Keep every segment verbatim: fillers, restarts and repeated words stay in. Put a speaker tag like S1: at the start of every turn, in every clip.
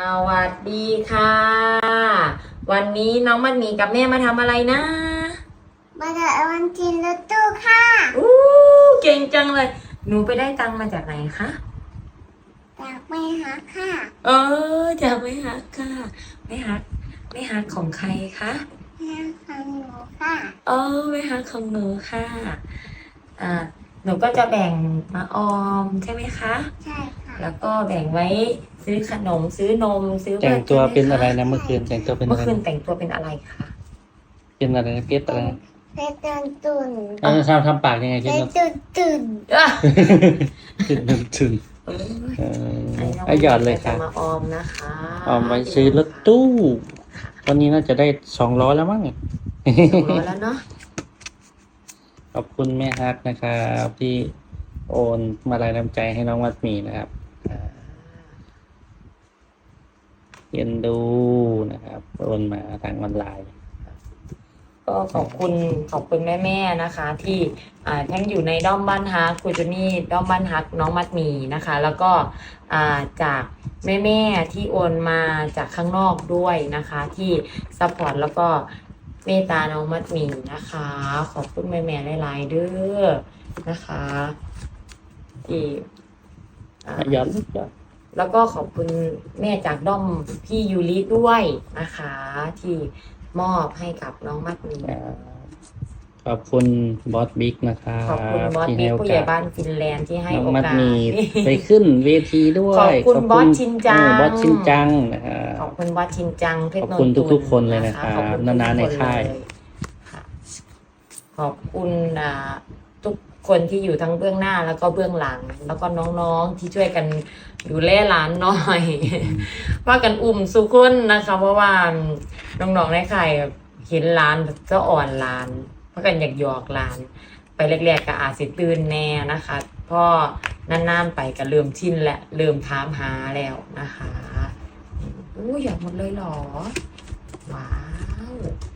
S1: วัสดีค่ะ วันนี้น้องมันมีกับแม่มาทำอะไรนะ
S2: มาจากวันจินรถตู้ค่ะ
S1: อู้เก่งจังเลย หนูไปได้ตังค์มาจากไหนคะ
S2: จากไม่หาค่ะ
S1: เออจากไม่ฮักค่ะไม่ฮักไม่ฮักของใครคะ
S2: แม่ของหนูค่ะ
S1: เออไม่ฮักของหนูค่ะ อ่า หนูก็จะแบ่งมาออมใช่ไหมคะ
S2: ใช่ค่ะ
S1: แล้วก็แบ่งไว้ซื้อขนมซื้อนมซื้อ
S3: แต่งตัวเป็นอะไร
S1: ใช่หมค
S3: นะเมื่อคืนแต่งตัวเป็น
S1: เมื่
S3: อะ
S1: อ
S3: ไร
S1: คืนแต่งตัวเป็นอะไรคะ
S3: เป็นอะไรนะเพชรอะไรนะ
S2: เป็นตุนตุน
S3: เออทำทำปากยังไงเพ
S2: เป็
S3: ช
S2: น
S3: ร
S2: ตุนตุน
S1: อ่ะ
S3: ถึงถึง
S1: เออ
S3: เออ
S1: ไอ้น้ง
S3: เอาหยอดเลย
S1: จะ
S3: ค่ะ
S1: มาออมนะคะ
S3: เอาไว้ซื้อรถตู้วันนี้น่าจะได้สองร้อยแล้วมั้ง
S1: สองร้อยแล้วเนาะ
S3: ขอบคุณแม่ฮักนะครับที่โอนมาลายน้ำใจให้น้องวัดหมีนะครับเรียนดูนะครับโอนมาทางออนไลน์
S1: ก็ขอบคุณขอบคุณแม่ๆนะคะ ที่อ่าทั้งอยู่ในด้อมบ้านฮักคุณจูนี่ด้อมบ้านฮักน้องมัดหมีนะคะ แล้วก็อ่าจากแม่ๆที่โอนมาจากข้างนอกด้วยนะคะ ที่ซัพพอร์ตแล้วก็เมตตาน้องมัดหมีนะคะ ขอบคุณแม่ๆหลายๆเด้อนะคะที่อ่า
S3: ยอดยอด
S1: แล้วก็ขอบคุณแม่จากด้อมพี่ยูริด้วยนะคะ ที่มอบให้กับน้องมัดหมี
S3: อ่าขอบคุณบอสบิ๊กนะครับ
S1: ขอบคุณบอส
S3: ที่
S1: บิ๊
S3: ให้
S1: ก
S3: โอ
S1: ผู้ใหญ่
S3: กาส
S1: บ้านฟินแลนด์ที่ให้
S3: น้อง
S1: โอ
S3: มัด
S1: กาส
S3: มีไปขึ้นเวทีด้วย
S1: ขอบคุณบอสชินจัง
S3: เออบอสชินจังนะฮะ
S1: ขอบคุณบอสชินจังเพชร
S3: ขอบคุณ
S1: นนท์
S3: ทุกๆคนเลยนะครับ
S1: ขอบคุณ
S3: นานๆใน
S1: ทุกๆ
S3: ค่าย
S1: เลค่ะขอบคุณอ่าทุกคนที่อยู่ทั้งเบื้องหน้าแล้วก็เบื้องหลัง แล้วก็น้องๆที่ช่วยกันดูแลหลานหน่อย ว่ากันอุ่มสุขุนนะคะ เพราะว่าน้องๆในค่ายเห็นหลานก็อ่อนหลานเพราะกันอยากหยอกหลาน ไปแรกๆก็อาจสิตื่นแน่นะคะพอนานๆไปก็เริ่มชินและเริ่มถามหาแล้วนะคะอู้อยากหมดเลยเหรอ ว้าว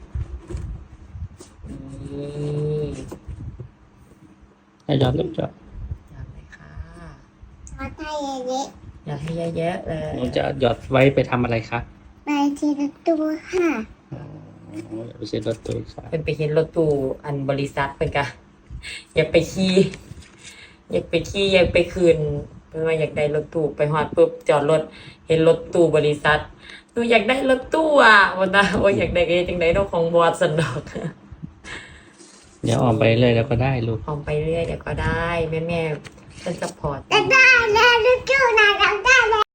S1: นี่
S3: ให้ยอดลูกจอด
S1: อยากเลยค่ะ
S2: มาไทยเยอะ
S1: อยากให้เยอะๆเลย
S3: หนูจะหยอดไว้ไปทำอะไรคะ
S2: ๆไปจินรถตู้ค่ะ
S3: อ๋อไปซื้อรถตู้อีกสาย
S1: เป็นไปเห็นรถตู้อันบริษัทเป็นกะอยากไปขี่อยากไปขี่อยากไปคืนเพื่อว่าอยากได้รถตู้ไปหอดปุ๊บจอดรถเห็นรถตู้บริษัทหนูอยากได้รถตู้อ่ะวันนั้นโอ้ยอยากได้ก็จังได้ดอกของบอสสันดอก
S3: เดี๋ยวออกไปเลยแล้วก็ได้ลูก
S1: ออกไปเรื่อยเดี๋ยวก็ได้แม่แม่ๆเป็นซัพพอร์ต
S2: ได้แล้วรถตู้นะเราได้แล้ว